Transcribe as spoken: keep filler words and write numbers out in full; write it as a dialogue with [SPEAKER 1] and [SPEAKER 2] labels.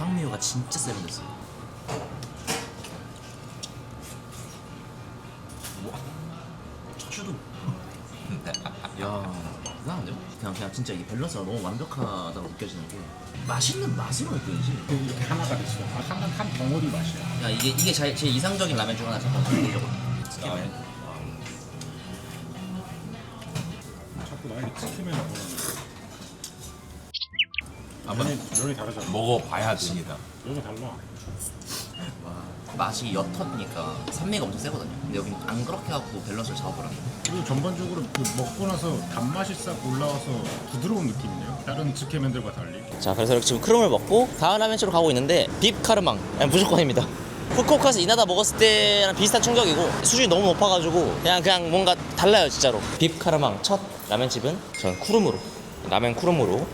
[SPEAKER 1] 향미가 진짜 세련됐어요. 와, 차슈도. 야, 이상한데요? 그냥 그냥 진짜 이 밸런스가 너무 완벽하다고 느껴지는 게 맛있는 맛으로 느껴지지.
[SPEAKER 2] 이렇게 하나가 됐어. 한, 한 덩어리 맛이야.
[SPEAKER 1] 야, 이게 이게 제, 제 이상적인 라면 중 하나 잠깐 개인적으로. 스키맨.
[SPEAKER 2] 자꾸 나에게 치킨을 먹으라는
[SPEAKER 3] 한번
[SPEAKER 2] 면이, 면이 다르잖아.
[SPEAKER 3] 먹어봐야 됩니다.
[SPEAKER 2] 면이 달라.
[SPEAKER 1] 와, 맛이 옅으니까 산미가 엄청 세거든요. 근데 여긴 안 그렇게 하고 밸런스를 잡아버렸네.
[SPEAKER 2] 그리고 전반적으로 그 먹고 나서 단맛이 싹 올라와서 부드러운 느낌이네요. 다른 츠케면들과 달리.
[SPEAKER 1] 자, 그래서 이렇게 지금 크롬을 먹고 다음 라면집으로 가고 있는데 빕 카르망 그냥 무조건입니다. 후쿠오카에서 이나다 먹었을 때랑 비슷한 충격이고 수준이 너무 높아가지고 그냥 그냥 뭔가 달라요 진짜로. 빕 카르망 첫 라면집은 전 쿠름으로 라면 쿠름으로